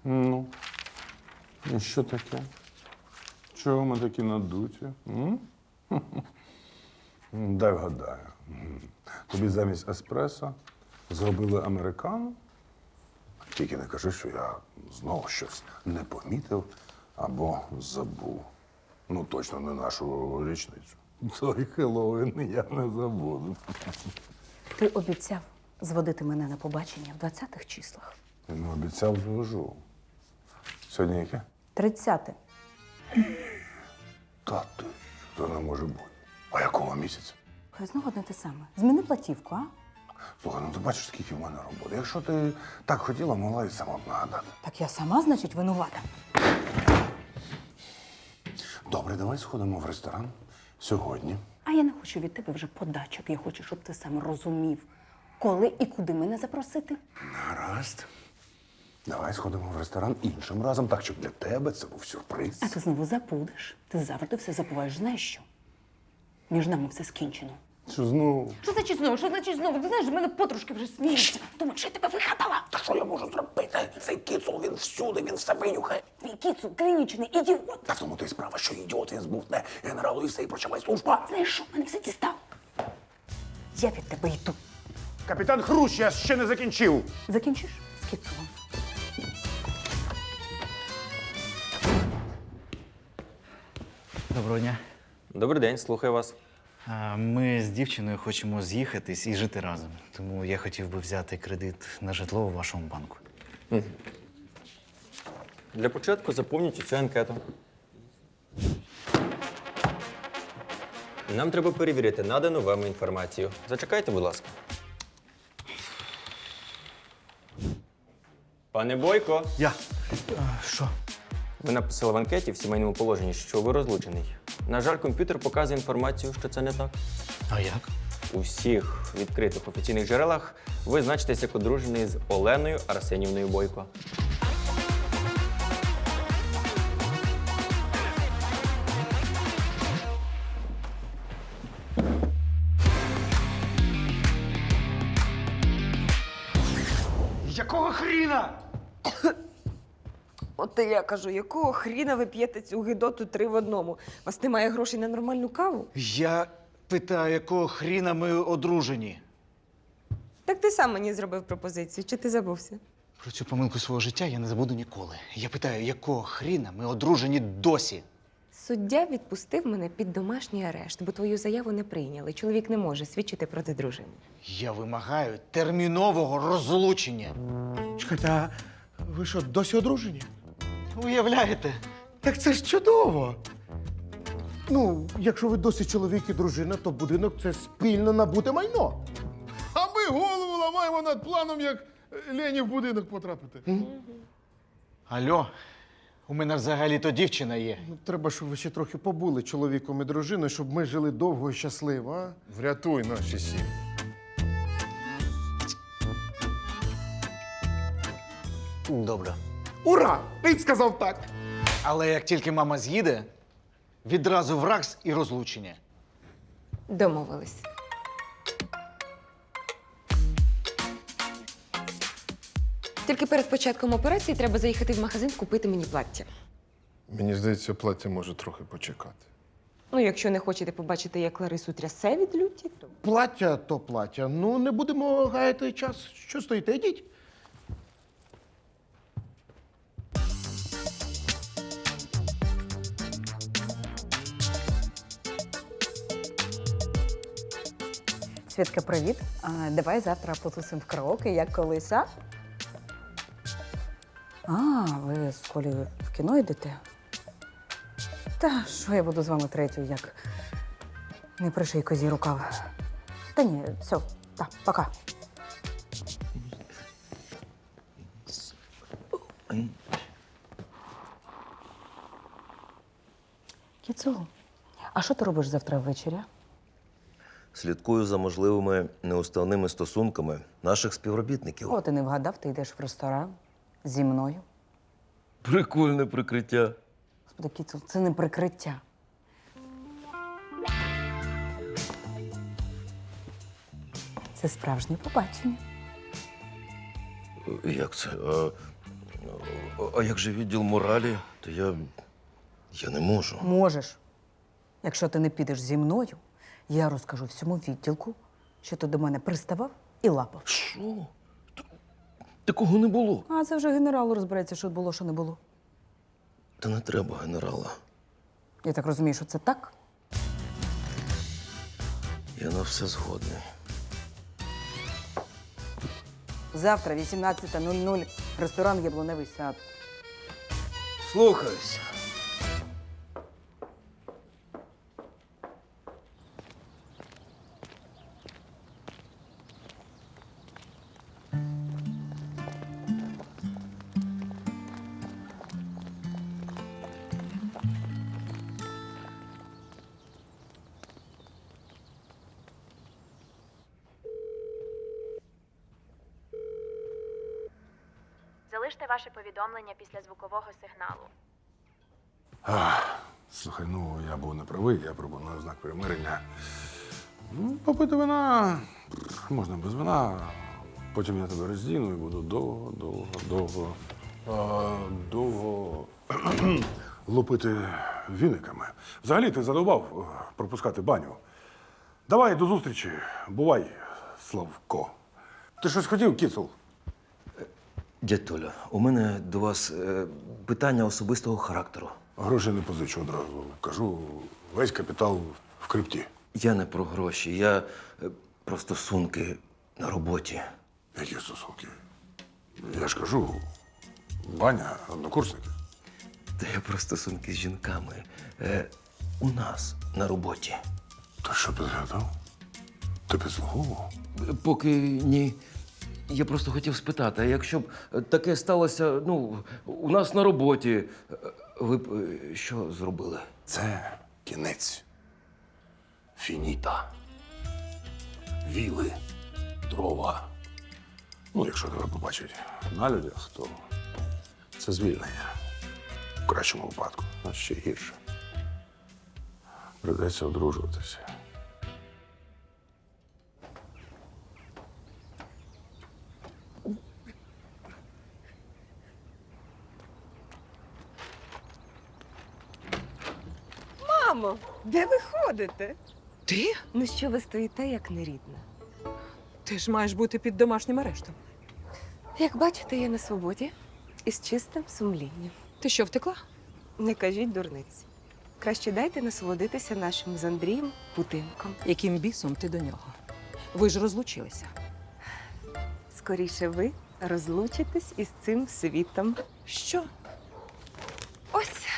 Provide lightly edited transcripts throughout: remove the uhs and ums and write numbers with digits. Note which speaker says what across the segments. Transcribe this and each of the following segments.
Speaker 1: Ну, і що таке? Чого ми такі надуті? Дай вгадаю. Тобі замість еспресо зробили американо? Тільки не кажи, що я знову щось не помітив або забув. Ну, точно не нашу річницю. Той Хеллоуін я не забуду.
Speaker 2: Ти обіцяв зводити мене на побачення в 20-х числах.
Speaker 1: Я не обіцяв, звожу. Сьогодні яке?
Speaker 2: 30-те.
Speaker 1: Та ти, це не може бути. А якого місяця?
Speaker 2: Хай знову одне те саме. Зміни платівку, а?
Speaker 1: Слухай, ну ти бачиш, скільки в мене роботи. Якщо ти так хотіла, могла і сама б нагадати.
Speaker 2: Так я сама, значить, винувата.
Speaker 1: Добре, давай сходимо в ресторан сьогодні.
Speaker 2: А я не хочу від тебе вже подачок. Я хочу, щоб ти сам розумів, коли і куди мене запросити.
Speaker 1: Гаразд. Давай сходимо в ресторан іншим разом, так, щоб для тебе це був сюрприз.
Speaker 2: А ти знову забудеш. Ти завжди все забуваєш. Знаєш що? Між нами все скінчено.
Speaker 1: Що знову?
Speaker 2: Що значить знову? Що значить знову? Ти знаєш, з мене подружки вже сміються. Думають, що я тебе вигадала.
Speaker 1: Та що я можу зробити? Цей кіцул, він всюди, він все винюхає.
Speaker 2: Твій кіцу клінічний ідіот.
Speaker 1: Та в тому то й справа, що ідіот він збувне генералу і все, і прочавай служба.
Speaker 2: Знаєш що? Мене все дістав. Я від тебе йду.
Speaker 1: Капітан Хрущ, я ще не закінчив.
Speaker 2: Закінчиш з кіцулом?
Speaker 3: Доброго дня.
Speaker 4: Добрий день, слухаю вас.
Speaker 3: Ми з дівчиною хочемо з'їхатись і жити разом. Тому я хотів би взяти кредит на житло у вашому банку.
Speaker 4: Для початку заповніть цю анкету. Нам треба перевірити надану вам інформацію. Зачекайте, будь ласка. Пане Бойко,
Speaker 3: Що?
Speaker 4: ви написали в анкеті в сімейному положенні, що ви розлучений. На жаль, комп'ютер показує інформацію, що це не так.
Speaker 3: А як?
Speaker 4: У всіх відкритих офіційних джерелах ви значитесь як одружений з Оленою Арсенівною Бойко.
Speaker 5: Якого хріна?
Speaker 6: От і я кажу, якого хріна ви п'єте цю гидоту 3 в одному? У вас немає грошей на нормальну каву?
Speaker 5: Я питаю, якого хріна ми одружені?
Speaker 6: Так ти сам мені зробив пропозицію, чи ти забувся?
Speaker 5: Про цю помилку свого життя я не забуду ніколи. Я питаю, якого хріна ми одружені досі?
Speaker 6: Суддя відпустив мене під домашній арешт, бо твою заяву не прийняли. Чоловік не може свідчити проти дружини.
Speaker 5: Я вимагаю термінового розлучення.
Speaker 7: Чекайте, а ви що, досі одружені?
Speaker 5: Уявляєте?
Speaker 7: Так це ж чудово. Ну, якщо ви досі чоловік і дружина, то будинок це спільно набуте майно.
Speaker 8: А ми голову ламаємо над планом, як Лені в будинок потрапити.
Speaker 5: Алло, у мене взагалі-то дівчина є.
Speaker 7: Ну, треба, щоб ви ще трохи побули чоловіком і дружиною, щоб ми жили довго і щасливо, а?
Speaker 8: Врятуй наші сім'ї.
Speaker 5: Добре.
Speaker 7: Ура! Він сказав так.
Speaker 5: Але як тільки мама з'їде, відразу в РАКС і розлучення.
Speaker 6: Домовились. Тільки перед початком операції треба заїхати в магазин купити мені плаття.
Speaker 8: Мені здається, плаття може трохи почекати.
Speaker 6: Ну, якщо не хочете побачити, як Ларису трясе від люті, то...
Speaker 7: Плаття то плаття. Ну, не будемо гаяти час. Що стоїте? Йдіть.
Speaker 2: Свідка, привіт. Давай завтра потусимо в караоке, як колись, а? Ви з Колею в кіно йдете? Та що я буду з вами третьою, як не приший козі рукав. Та ні, все, так, пока. Кіцу, а що ти робиш завтра ввечері?
Speaker 9: Слідкую за можливими неуставними стосунками наших співробітників.
Speaker 2: О, ти не вгадав, ти йдеш в ресторан зі мною.
Speaker 9: Прикольне прикриття.
Speaker 2: Господи, Кіцу, це не прикриття. Це справжнє побачення.
Speaker 9: Як це? А як же відділ моралі, то я не можу.
Speaker 2: Можеш. Якщо ти не підеш зі мною, я розкажу всьому відділку, що ти до мене приставав і лапав.
Speaker 9: Що? Такого не було.
Speaker 2: А це вже генерал розбереться, що було, що не було.
Speaker 9: Та не треба генерала.
Speaker 2: Я так розумію, що це так?
Speaker 9: Я на все згодний.
Speaker 2: Завтра, 18:00, ресторан «Яблуневий сад».
Speaker 9: Слухаюся.
Speaker 10: Залиште ваше повідомлення після звукового сигналу.
Speaker 1: Слухай, ну я був неправий, я пропоную знак примирення. Ну, попити вина можна без вина. Потім я тебе роздіну і буду довго лупити віниками. Взагалі ти задовбав пропускати баню. Давай до зустрічі. Бувай, Славко. Ти щось хотів, Кіцул?
Speaker 9: Дядь Толя, у мене до вас питання особистого характеру.
Speaker 1: Гроші не позичу одразу. Кажу, весь капітал в крипті.
Speaker 9: Я не про гроші, я про стосунки на роботі.
Speaker 1: Які стосунки? Я ж кажу, Ваня, однокурсники.
Speaker 9: Та я про стосунки з жінками. У нас на роботі.
Speaker 1: Ти що підглядав? Ти підслуговував?
Speaker 9: Поки ні. Я просто хотів спитати, а якщо б таке сталося, у нас на роботі, ви б що зробили?
Speaker 1: Це кінець. Фініта. Віли, дрова. Ну, якщо тебе побачать на людях, то це звільнення. В кращому випадку, а ще гірше. Придеться одружуватися.
Speaker 6: Мамо, де ви ходите?
Speaker 11: Ти?
Speaker 6: Ну що ви стоїте, як нерідна?
Speaker 11: Ти ж маєш бути під домашнім арештом.
Speaker 6: Як бачите, я на свободі і з чистим сумлінням.
Speaker 11: Ти що, втекла?
Speaker 6: Не кажіть дурниць. Краще дайте насолодитися нашим з Андрієм будинком.
Speaker 11: Яким бісом ти до нього? Ви ж розлучилися.
Speaker 6: Скоріше ви розлучитесь із цим світом.
Speaker 11: Що?
Speaker 6: Ось.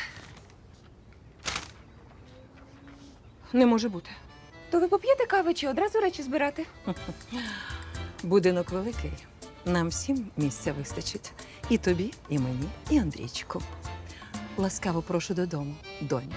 Speaker 11: Не може бути.
Speaker 6: То ви поп'єте кави чи одразу речі збирати?
Speaker 11: Будинок великий. Нам всім місця вистачить. І тобі, і мені, і Андрійчику. Ласкаво прошу додому, доню.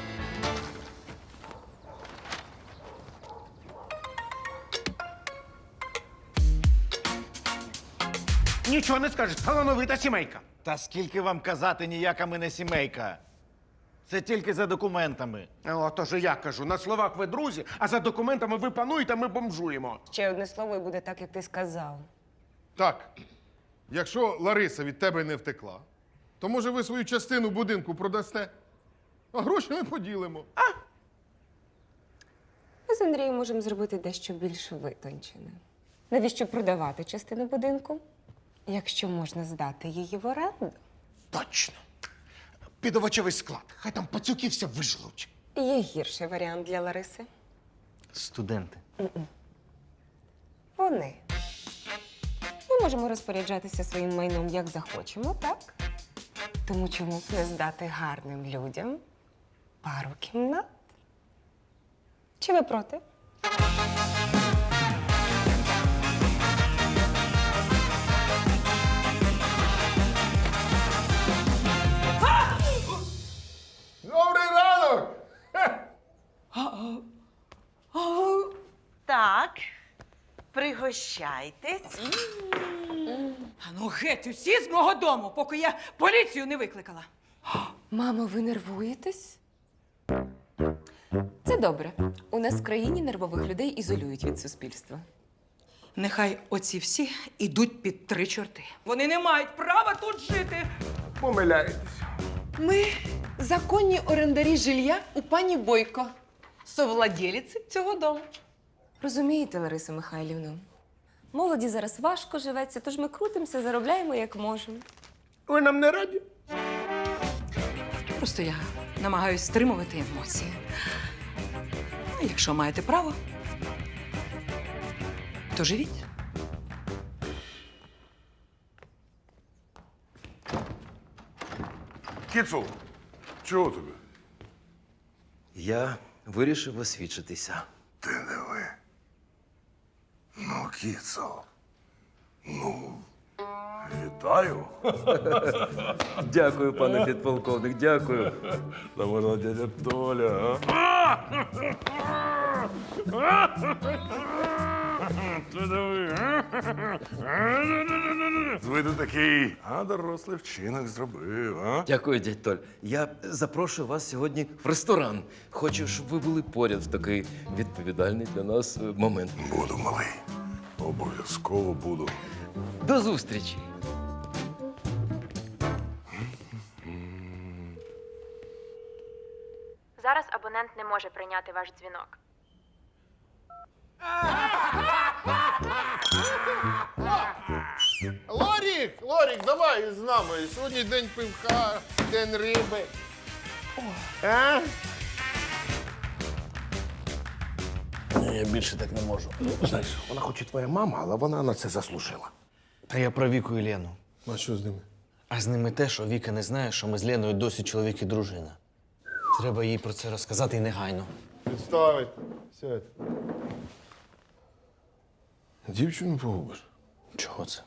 Speaker 7: Нічого не скажеш, талановита сімейка.
Speaker 5: Та скільки вам казати, ніяка ми не сімейка. Це тільки за документами.
Speaker 7: Отож я кажу, на словах ви друзі, а за документами ви пануєте, ми бомжуємо.
Speaker 6: Ще одне слово і буде так, як ти сказав.
Speaker 8: Так, якщо Лариса від тебе не втекла, то може ви свою частину будинку продасте, а гроші ми поділимо.
Speaker 6: Ми з Андрієм можемо зробити дещо більш витончене. Навіщо продавати частину будинку, якщо можна здати її в оренду?
Speaker 7: Точно. Під овочевий склад. Хай там пацюки все вижлуть.
Speaker 6: Є гірший варіант для Лариси.
Speaker 3: Студенти.
Speaker 6: Вони. Ми можемо розпоряджатися своїм майном як захочемо, так? Тому чому б не здати гарним людям пару кімнат? Чи ви проти?
Speaker 8: Добрий ранок!
Speaker 12: Так, пригощайтесь.
Speaker 11: А ну геть усі з мого дому, поки я поліцію не викликала.
Speaker 6: Мамо, ви нервуєтесь? Це добре. У нас в країні нервових людей ізолюють від суспільства.
Speaker 11: Нехай оці всі ідуть під 3 чорти. Вони не мають права тут жити.
Speaker 7: помиляєтесь.
Speaker 12: Ми законні орендарі жилья у пані Бойко, совладелиці цього дому.
Speaker 6: Розумієте, Ларисо Михайлівну, молоді зараз важко живеться, тож ми крутимося, заробляємо як можемо.
Speaker 7: Ви нам не раді?
Speaker 11: Просто я намагаюсь стримувати емоції. А якщо маєте право, то живіть.
Speaker 1: Кіцул, чого тобі?
Speaker 9: Я вирішив освідчитися.
Speaker 1: Ти не ви. Ну, Кіцул. Ну, вітаю.
Speaker 9: Дякую, пане підполковник, дякую.
Speaker 1: Та вона дядя Толя, а? Ви тут такий, а дорослий вчинок зробив, а?
Speaker 9: Дякую, дядь Толь. Я запрошую вас сьогодні в ресторан. Хочу, щоб ви були поряд в такий відповідальний для нас момент.
Speaker 1: Буду, малий. Обов'язково буду.
Speaker 9: До зустрічі!
Speaker 10: Зараз абонент не може прийняти ваш дзвінок.
Speaker 8: Лорік, давай з нами. Сьогодні день пивка, день риби. А?
Speaker 7: Я більше так не можу. Знаєш, вона хоч і твоя мама, але вона на це заслужила.
Speaker 3: Та я про Віку і Лену.
Speaker 8: А що з ними?
Speaker 3: А з ними те, що Віка не знає, що ми з Леною досі чоловік і дружина. Треба їй про це розказати і негайно.
Speaker 8: Підставить. Сядь. Дівчину погубиш?
Speaker 3: Чого це?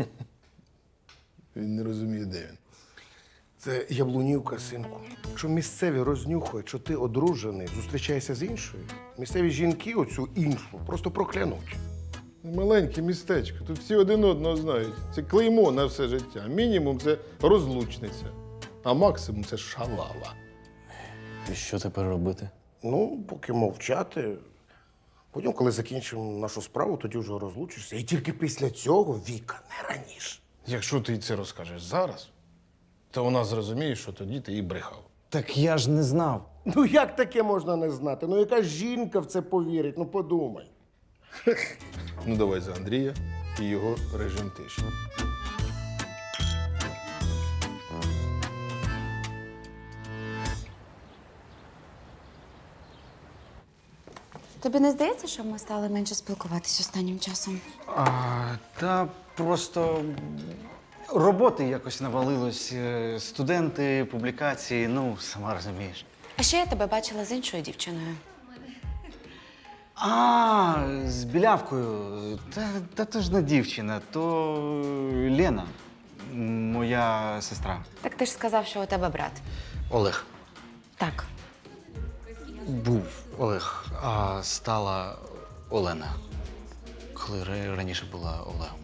Speaker 8: Він не розуміє, де він.
Speaker 7: Це яблунівка, синку. Якщо місцеві рознюхають, що ти одружений, зустрічаєшся з іншою, місцеві жінки оцю іншу просто проклянуть.
Speaker 8: Маленьке містечко, тут всі один одного знають. Це клеймо на все життя. Мінімум це розлучниця, а максимум це шалава.
Speaker 3: І що тепер робити?
Speaker 7: Ну, поки мовчати. Потім, коли закінчимо нашу справу, тоді вже розлучишся. І тільки після цього Віка, не раніше.
Speaker 8: Якщо ти це розкажеш зараз, то вона зрозуміє, що тоді ти їй брехав.
Speaker 3: Так я ж не знав.
Speaker 7: Ну як таке можна не знати? Ну яка жінка в це повірить? Ну подумай.
Speaker 8: Ну давай за Андрія і його режим тиші.
Speaker 13: Тобі не здається, що ми стали менше спілкуватись останнім часом?
Speaker 3: Та просто роботи якось навалилось. Студенти, публікації, ну, сама розумієш.
Speaker 13: А ще я тебе бачила з іншою дівчиною.
Speaker 3: З білявкою. Та то ж не дівчина, то Лена, моя сестра.
Speaker 13: Так ти ж сказав, що у тебе брат.
Speaker 3: Олег.
Speaker 13: Так.
Speaker 3: Був Олег, а стала Олена. Коли раніше була Олегом.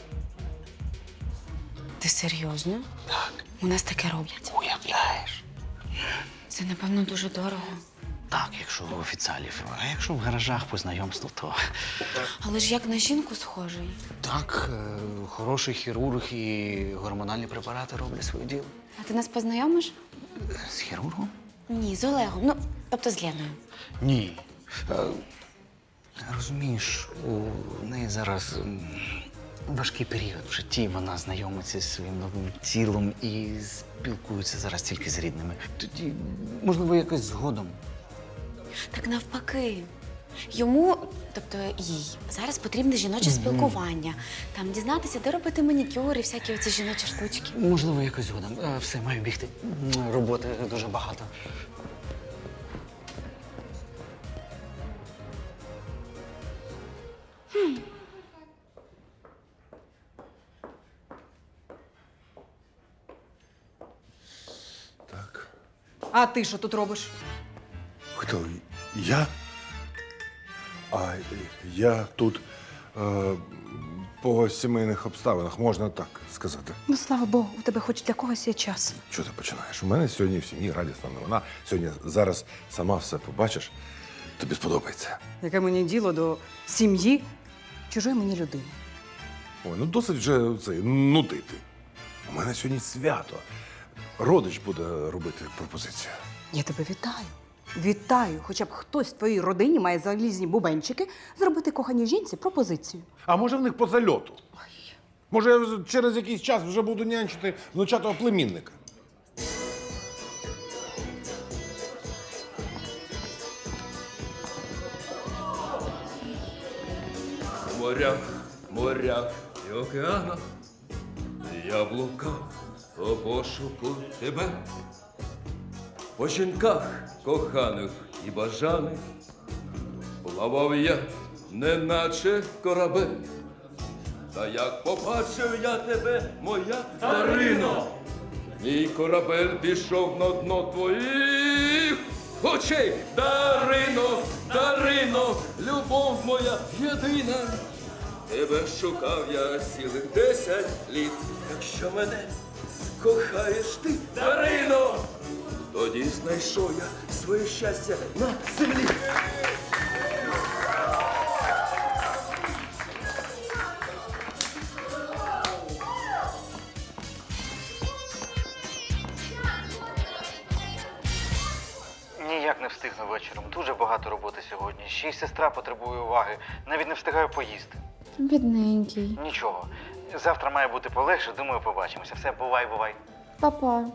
Speaker 13: Ти серйозно?
Speaker 3: Так.
Speaker 13: У нас таке роблять.
Speaker 3: Уявляєш?
Speaker 13: Це, напевно, дуже дорого.
Speaker 3: Так, якщо в офіціалів. А якщо в гаражах по знайомству, то.
Speaker 13: Але ж як на жінку схожий.
Speaker 3: Так, хороший хірург і гормональні препарати роблять своє діло.
Speaker 13: А ти нас познайомиш?
Speaker 3: З хірургом?
Speaker 13: Ні, з Олегом. Ну, тобто з Леною.
Speaker 3: Ні. Розумієш, у неї зараз важкий період в житті. Вона знайомиться зі своїм новим тілом і спілкується зараз тільки з рідними. Тоді, можливо, якось згодом.
Speaker 13: Так навпаки. Йому, тобто їй, зараз потрібне жіноче спілкування. Там дізнатися, де робити манікюр і всякі оці жіночі штучки.
Speaker 3: Можливо, якось згодом. Все, маю бігти. Роботи дуже багато.
Speaker 1: Так.
Speaker 11: А ти що тут робиш?
Speaker 1: Хто? Я? А я тут по сімейних обставинах, можна так сказати.
Speaker 2: Ну, слава Богу, у тебе хоч для когось є час.
Speaker 1: Що ти починаєш? У мене сьогодні в сім'ї радісна новина. Сьогодні зараз сама все побачиш. Тобі сподобається.
Speaker 2: Яке мені діло до сім'ї чужої мені людини?
Speaker 1: Ой, ну досить вже це нудити. У мене сьогодні свято. родич буде робити пропозицію.
Speaker 2: Я тебе вітаю. Вітаю! Хоча б хтось в твоїй родині має залізні бубенчики зробити коханій жінці пропозицію.
Speaker 1: А може в них по зальоту? Може, я через якийсь час вже буду нянчити внучатого племінника.
Speaker 9: В морях, морях і океанах я блукав у пошуку тебе. По жінках коханих і бажаних плавав я, неначе корабель. Та як побачив я тебе, моя Дарино, мій корабель пішов на дно твоїх очей. Дарино, Дарино, любов моя єдина. Тебе шукав я цілих 10 літ. Якщо мене кохаєш ти, Дарино, тоді знайшов я своє щастя на землі.
Speaker 5: Ніяк не встигну вечором. Дуже багато роботи сьогодні. Ще й сестра потребує уваги. Навіть не встигаю поїсти.
Speaker 13: Бідненький.
Speaker 5: Нічого. Завтра має бути полегше, думаю, побачимося. Все, бувай, бувай.
Speaker 13: Папа.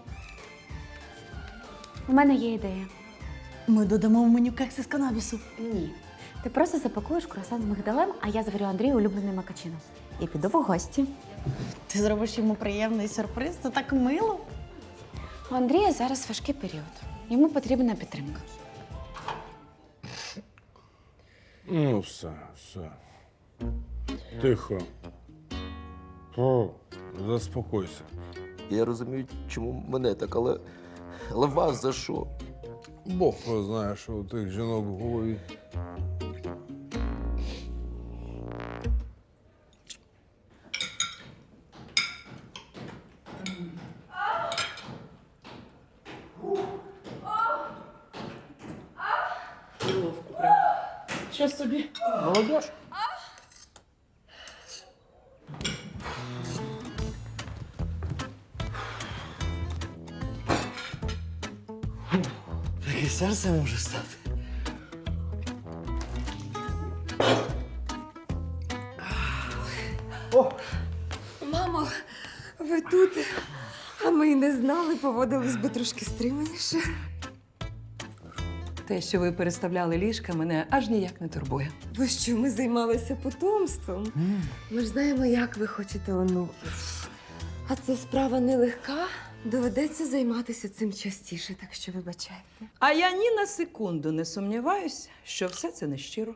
Speaker 13: У мене є ідея.
Speaker 11: Ми додамо в меню кекси з канабісу.
Speaker 13: Ні. Ти просто запакуєш круасан з мигдалем, а я зварю Андрію улюблений макачино. І піду в гості.
Speaker 11: Ти зробиш йому приємний сюрприз, це так мило.
Speaker 13: У Андрія зараз важкий період. Йому потрібна підтримка.
Speaker 1: Ну, все. Тихо. Заспокойся.
Speaker 9: Я розумію, чому мене так, але вас за що?
Speaker 1: Бог знає, що у тих жінок в голові.
Speaker 11: Що собі?
Speaker 1: Молодець.
Speaker 5: Таке серце може стати.
Speaker 6: Мамо, ви тут? А ми й не знали, поводились би трошки стриманіше.
Speaker 11: Те, що ви переставляли ліжка, мене аж ніяк не турбує.
Speaker 6: Бо що ми займалися потомством? Ми ж знаємо, як ви хочете онуків. А це справа нелегка. Доведеться займатися цим частіше, так що вибачайте.
Speaker 11: А я ні на секунду не сумніваюся, що все це нещиро.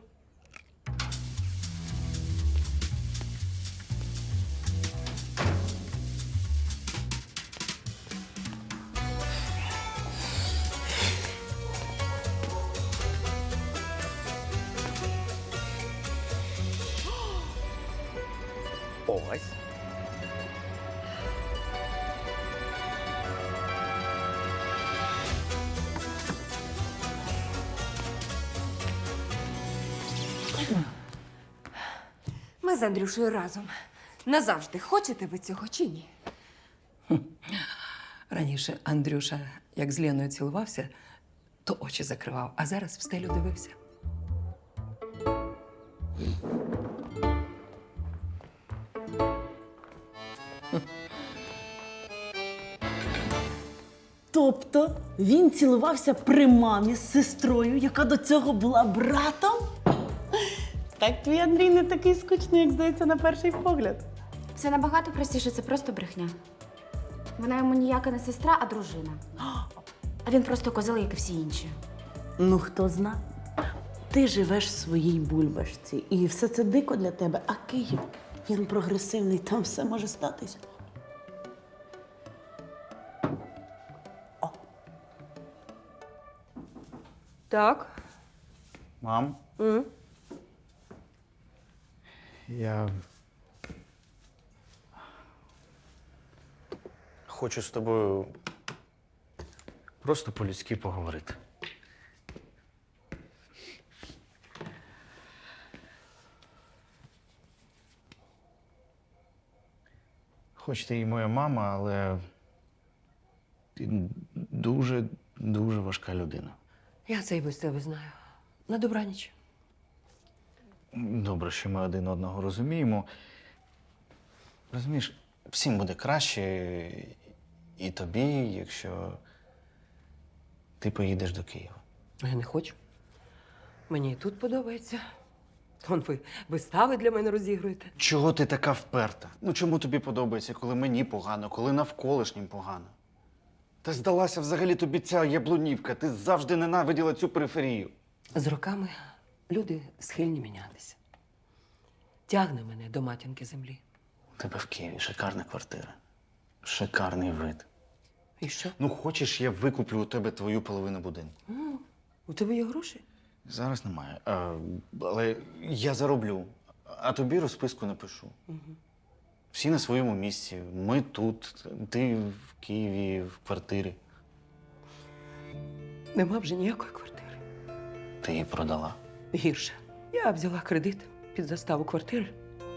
Speaker 3: Ось.
Speaker 6: Ми з Андрюшею разом. Назавжди. Хочете ви цього чи ні?
Speaker 11: Раніше Андрюша, як з Леною цілувався, то очі закривав, а зараз в стелю дивився.
Speaker 14: Тобто він цілувався при мамі з сестрою, яка до цього була братом? Так твій Андрій не такий скучний, як здається, на перший погляд.
Speaker 13: Все набагато простіше, це просто брехня. Вона йому ніяка не сестра, а дружина. А він просто козел, як і всі інші.
Speaker 14: Ну, хто зна? Ти живеш в своїй бульбашці, і все це дико для тебе, а Київ, він прогресивний, там все може статися.
Speaker 2: Так.
Speaker 5: Мам, я хочу з тобою просто по-людськи поговорити. Хоч ти і моя мама, але
Speaker 3: Ти дуже, дуже важка людина.
Speaker 14: Я це і без тебе знаю. На добраніч.
Speaker 3: Добре, що ми один одного розуміємо. Розумієш, всім буде краще і тобі, якщо ти поїдеш до Києва.
Speaker 14: Я не хочу. Мені і тут подобається. Вон ви вистави для мене розігруєте.
Speaker 3: Чого ти така вперта? Ну чому тобі подобається, коли мені погано, коли навколишнім погано? Та здалася взагалі тобі ця яблунівка. Ти завжди ненавиділа цю периферію.
Speaker 14: З роками люди схильні мінятися. Тягне мене до матінки землі.
Speaker 3: У тебе в Києві шикарна квартира. Шикарний вид.
Speaker 14: І що?
Speaker 3: Ну, хочеш, я викуплю у тебе твою половину будинку.
Speaker 14: У тебе є гроші?
Speaker 3: Зараз немає. Але я зароблю, а тобі розписку напишу. Всі на своєму місці. Ми тут, ти в Києві, в квартирі.
Speaker 14: Нема вже ніякої квартири.
Speaker 3: Ти її продала.
Speaker 14: Гірше. Я взяла кредит під заставу квартири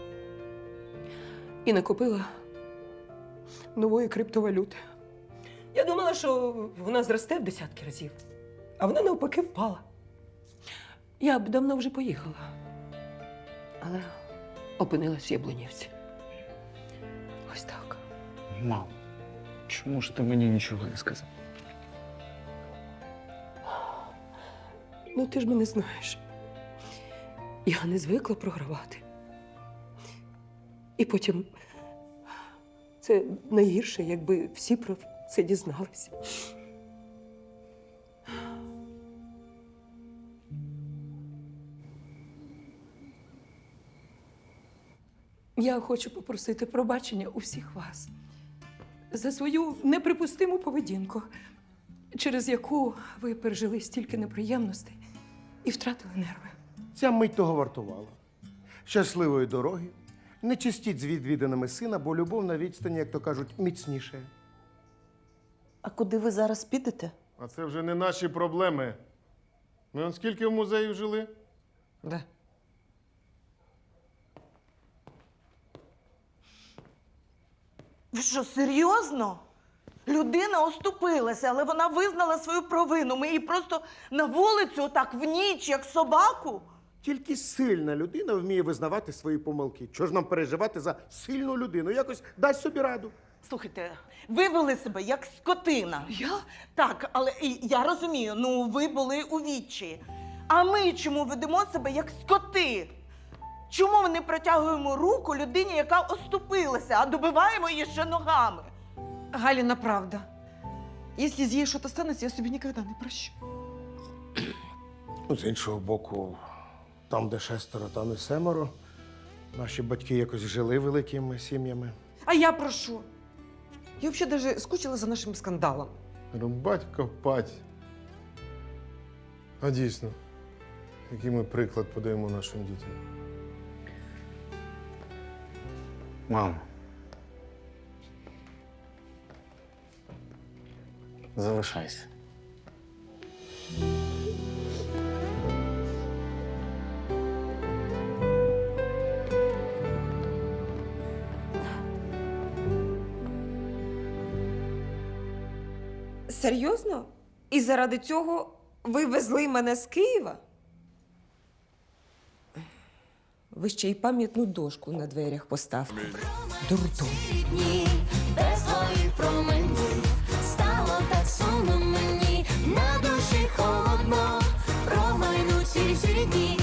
Speaker 14: і накопила нової криптовалюти. Я думала, що вона зросте в десятки разів, а вона навпаки впала. Я б давно вже поїхала, але опинилась в Яблунівці. Ось так.
Speaker 3: Мам, чому ж ти мені нічого не сказав?
Speaker 14: Ну, ти ж мене знаєш. Я не звикла програвати. І потім це найгірше, якби всі про це дізналися. Я хочу попросити пробачення у всіх вас за свою неприпустиму поведінку, через яку ви пережили стільки неприємностей і втратили нерви.
Speaker 7: Ця мить того вартувала. Щасливої дороги. Не чистіть з відвіданими сина, бо любов на відстані, як то кажуть, міцніше.
Speaker 14: А куди ви зараз підете?
Speaker 8: А це вже не наші проблеми. Ми он скільки в музеї жили?
Speaker 14: Де?
Speaker 15: Ви що, серйозно? Людина оступилася, але вона визнала свою провину. Ми її просто на вулицю отак в ніч, як собаку.
Speaker 7: Тільки сильна людина вміє визнавати свої помилки. Чого ж нам переживати за сильну людину? Якось дасть собі раду.
Speaker 15: Слухайте, ви вели себе як скотина.
Speaker 14: Я?
Speaker 15: Так, але я розумію, ну ви були у відчаї. А ми чому ведемо себе як скоти? Чому ми не протягуємо руку людині, яка оступилася, а добиваємо її ще ногами?
Speaker 12: Галина, правда. Если с ей что-то станется, я себе никогда не прощу.
Speaker 7: Ну, з іншого боку, там, де 6, там і 7. Наші батьки якось жили великими сім'ями.
Speaker 12: А я прошу. Я вообще даже скучила за нашим скандалом.
Speaker 8: Рубать, копать. А дійсно, який ми приклад подаємо нашим дітям?
Speaker 3: Мам. Залишайся.
Speaker 6: Серйозно? І заради цього ви везли мене з Києва? Ви ще й пам'ятну дошку на дверях поставте. Дурдом.
Speaker 16: Без твоїх променів стало так сумно мені, на душі холодно, промайнуть всі дні.